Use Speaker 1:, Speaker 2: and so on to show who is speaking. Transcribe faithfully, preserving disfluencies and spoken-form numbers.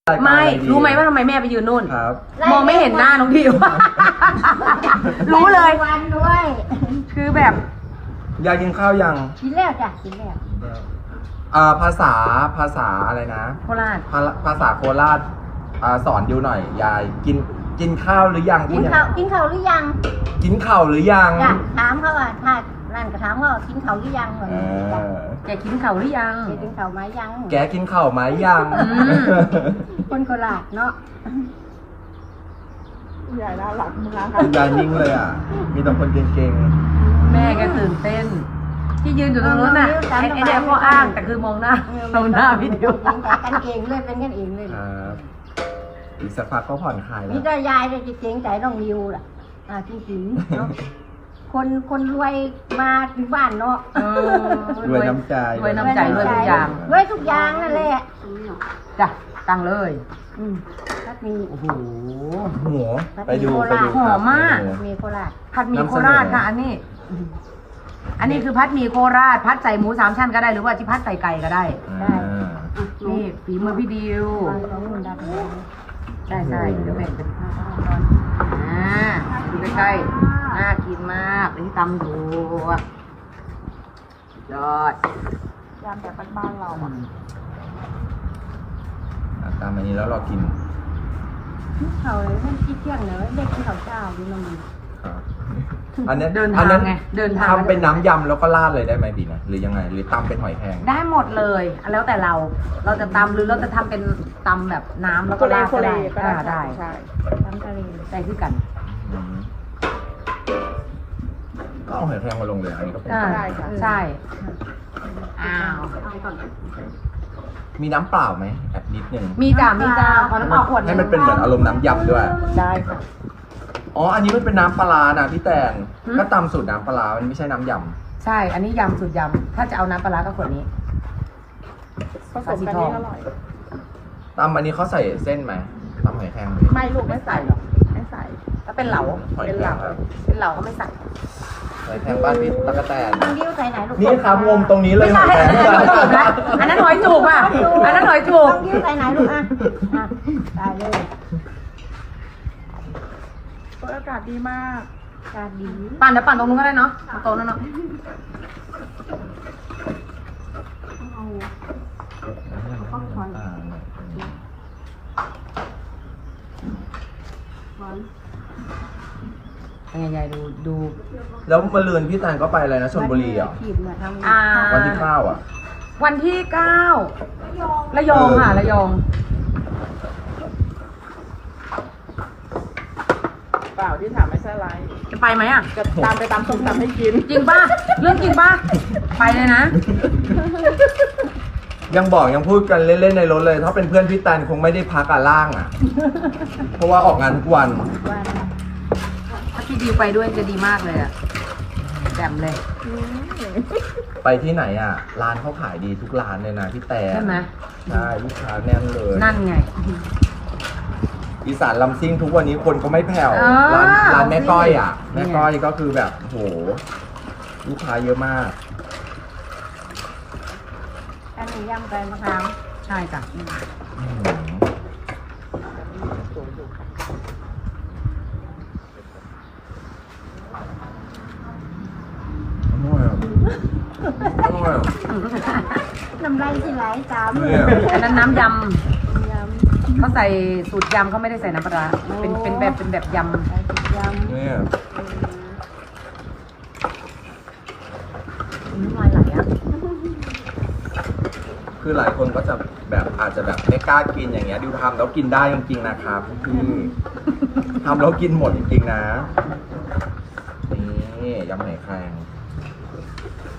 Speaker 1: ไม่รู้ไหมว่าทำไมแม่ไปยืนนู่น
Speaker 2: ครับ
Speaker 1: มองไม่เห็นหน้าน้องทิว รู้เลย
Speaker 3: วันด้วย
Speaker 1: คือแบบ
Speaker 2: อยากกินข้าวยัง
Speaker 3: กินแล้วจ้ะกินแล้ว
Speaker 2: อ่าภาษาภาษาอะไรนะ
Speaker 1: โคราช
Speaker 2: ภาภาษาโคราชอ่าสอนดิวหน่อยยายกินกินข้าวหรือยัง
Speaker 3: กินข้าวกินข้าวหรือยัง
Speaker 2: กินข้าวหรือยัง
Speaker 3: จ้ะถามเขาว่าถ้านั่นก็ถามว่ากินข้าวหรือยังเหมือน
Speaker 2: เอ
Speaker 3: จ้ะ
Speaker 2: อ
Speaker 1: แกกินเข่าวหรือยัง
Speaker 3: แกกินข้าวไหมยัง
Speaker 2: แกกินข้าวไหมยัง
Speaker 1: อืม
Speaker 3: คนโคราชเนาะ
Speaker 4: ยายน่ารักมาก
Speaker 2: คุณยายนิ่งเลยอ่ะ มีแต่คนเก่ง
Speaker 1: แม่แกตื่นเต้น ที่ยืนอยู่ตรงนู้นน่ะไอ้ไอ้เด็กก็อ้างแต่คือมองหน้ามองหน้าพี่ดิว
Speaker 3: เป็นกันเองเลยเป็นกันเองเลย
Speaker 2: ๆครับอีกสักพักก็ผ่อนคลายแล้
Speaker 3: นี่
Speaker 2: ว
Speaker 3: ก็ยายเลยจะเกรงใจน้องนิวล่ะอ่าจริงๆเนาะคนคนรวยมาถึงบ้านเนาะ
Speaker 1: เออ
Speaker 2: รวยน้ำใจ
Speaker 1: รวยน้ำใจรวยทุกอย่าง
Speaker 3: รวยทุกอย่างนั่นแหละ
Speaker 1: จ้ะตังเลย
Speaker 3: อืมถ้ามี
Speaker 1: โอ้โห
Speaker 2: หัวไปดูไปดู
Speaker 1: หอมมาก
Speaker 2: ครับ
Speaker 3: มีโคราช
Speaker 1: ผัดหมี่โคราชค่ะ อันนี้ อันนี้คือพัดหมี่โคราช พัดใส่หมูสามชั้นก็ได้หรือว่าที่พัดใส่ไก่ก็ได้
Speaker 2: อ่า
Speaker 1: นี่ฝีมือพี่ดิว
Speaker 3: วางของนุ่นดับเลย
Speaker 1: ใช่ใช่เดี๋ยวแบ่งเป็นอ่าดูใกล้ๆน่ากินมากเดี๋ยวที่ตำดูยอด
Speaker 4: ยามแบบบ้านๆเราอ่ะ
Speaker 2: อ่ะตามอันนี้แล้วเรากิน
Speaker 3: เขาเลยไม่คิดเที่ยงเลยเด็กที่เขาเจ้าดูนม
Speaker 2: ครับอันนี้
Speaker 1: เดิน
Speaker 2: อั
Speaker 1: ทาง
Speaker 2: นั้น
Speaker 1: ไงเดินทาง
Speaker 2: ทำเป็นน้ำยำแล้วก็ราดเลยได้ไหมบีนะหรือยังไง หรือตำเป็นหอยแครง
Speaker 1: ได้หมดเลยแล้วแต่เรา เราจะตำหรือเราจะทำเป็นตำแบบน้ำแล้ว
Speaker 4: โค
Speaker 1: ก็
Speaker 4: เล
Speaker 1: ราด
Speaker 4: โค
Speaker 1: ก็
Speaker 4: เล
Speaker 1: ได้
Speaker 4: ก็
Speaker 1: อ่า
Speaker 4: ได้
Speaker 1: ได้
Speaker 4: ใช่
Speaker 3: ทำทะเล
Speaker 1: ได้คือกัน
Speaker 2: อืมก็เอาหอยแครงมาลงเลยอันนี้ก็เป็น
Speaker 1: อ่า
Speaker 4: ได้ค่ะ
Speaker 1: ใช่อ้าว
Speaker 2: มีน้ำเปล่าไหมแอบนิดนึง
Speaker 1: มีจ้ามีจ้าขอน้ำเปล่าขวดห
Speaker 2: ให้
Speaker 1: ง
Speaker 2: มันเป็นเหมือนอารมณ์น้ำยำด้วย
Speaker 1: ได้ค่ะ
Speaker 2: อ๋อ อันนี้มันเป็นน้ำปลาร้านะพี่แตงก็ตำสูตรน้ำปลาร้ามันไม่ใช่น้ำย
Speaker 1: ใช่ อันนี้ยำสุดยำถ้าจะเอาน้ำปลาร้าก็ขวดนี้
Speaker 4: ผสมกันนี่อร่อย
Speaker 2: ำตำอันนี้เขาใส่เส้นไหมตำหอยแครงไหม
Speaker 4: ไม่ลูกไม่ใส่หรอกไม่ใส่
Speaker 1: ถ้าเป็นเหลา
Speaker 2: หอย
Speaker 4: เป็น
Speaker 2: แคร
Speaker 4: เห
Speaker 2: ง
Speaker 4: ลา
Speaker 2: ครับ
Speaker 1: เป็นเหลาก็ไม่ใส่
Speaker 2: หอยแครงบ้านพี่ตะกะแตน
Speaker 3: น้องดิวใส่ไหนลูก
Speaker 2: นี่ครับงมตรงนี้เลย
Speaker 1: ไม่
Speaker 2: ห
Speaker 1: ใช่
Speaker 2: อยแครง
Speaker 1: อันนั้นหอยจูบนะอันนั้นหอยจูบอ่ะ อันนั้นหอยจูบ
Speaker 3: น้องดิวใส่ไหนลูกอ่ะอ่ะได้เลย
Speaker 4: อากาศดีมาก
Speaker 3: การดี
Speaker 1: ปั่นเดี๋ยวปั่นตรงนู้นก็ได้เนาะโต๊ะนั่นเนาะ ใหญ่ๆดูดู
Speaker 2: แล้วมาเลือนพี่แตงก็ไปอะไรนะชลบุรีเหรอ่ะ
Speaker 3: ขีดเนี่ยทำ
Speaker 1: อ่า
Speaker 2: วันที่เก้าอ่ะ
Speaker 1: วันที่เก้าระยองค่ะระยอง
Speaker 4: เปล่าที่ถามไม่ใช่ไร
Speaker 1: จะไปไหมอ่ะ
Speaker 4: จะตามไปตามส้มตำให้กิน
Speaker 1: จริงป่ะ เรื่องจริงป่ะ ไปเลยนะ
Speaker 2: ยังบอกยังพูดกันเล่นๆในรถเลย ถ้าเป็นเพื่อนพี่แตนคงไม่ได้พักอ่ะล่างอ่ะ เพราะว่าออกงานทุกวัน
Speaker 3: วัน
Speaker 1: ถ้าพี่ดิวไปด้วยจะดีมากเลยอ่ะแจ่มเลย
Speaker 2: ไปที่ไหนอ่ะ ร้านเขาขายดีทุกร้านเลยนะพี่แตน
Speaker 1: ใช่ไหม
Speaker 2: ใช่ลูกค้าแน่นเลย
Speaker 1: นั่นไง
Speaker 2: อีสานลำซิ่งทุกวันนี้คนก็ไม่แผ่ว
Speaker 1: อ่า
Speaker 2: ร้านร้านแม่ก้อยอ่ะ
Speaker 1: นี่
Speaker 2: แม่
Speaker 1: ไง
Speaker 2: ก้อยก็คือแบบโหลูกค้าเยอะมาก
Speaker 3: อันนี้ยำใบมะขาม
Speaker 1: ใช่จ้ะ
Speaker 2: อื้อหืออร่อยอ่ะอร่อยอ่ะ
Speaker 3: น้ำลายสิไหลตาม
Speaker 2: เนี่ย
Speaker 1: อันนั้นน้ำย
Speaker 3: ย
Speaker 1: ำเขาใส่สูตรยำเขาไม่ได้ใส่น้ำปลาร้าเป็นเป็นแบบเป็นแบบย
Speaker 3: ำใส่สุดยำ
Speaker 2: เนี่ย
Speaker 1: ำน้ำลายไหลอ่ะ
Speaker 2: คือหลายคนก็จะแบบอาจจะแบบไม่กล้ากินอย่างเงี้ยดิวทำแล้วกินได้จริงๆนะครับพี่ทำแล้วกินหมดจริงๆนะนี่ยำไหนแครง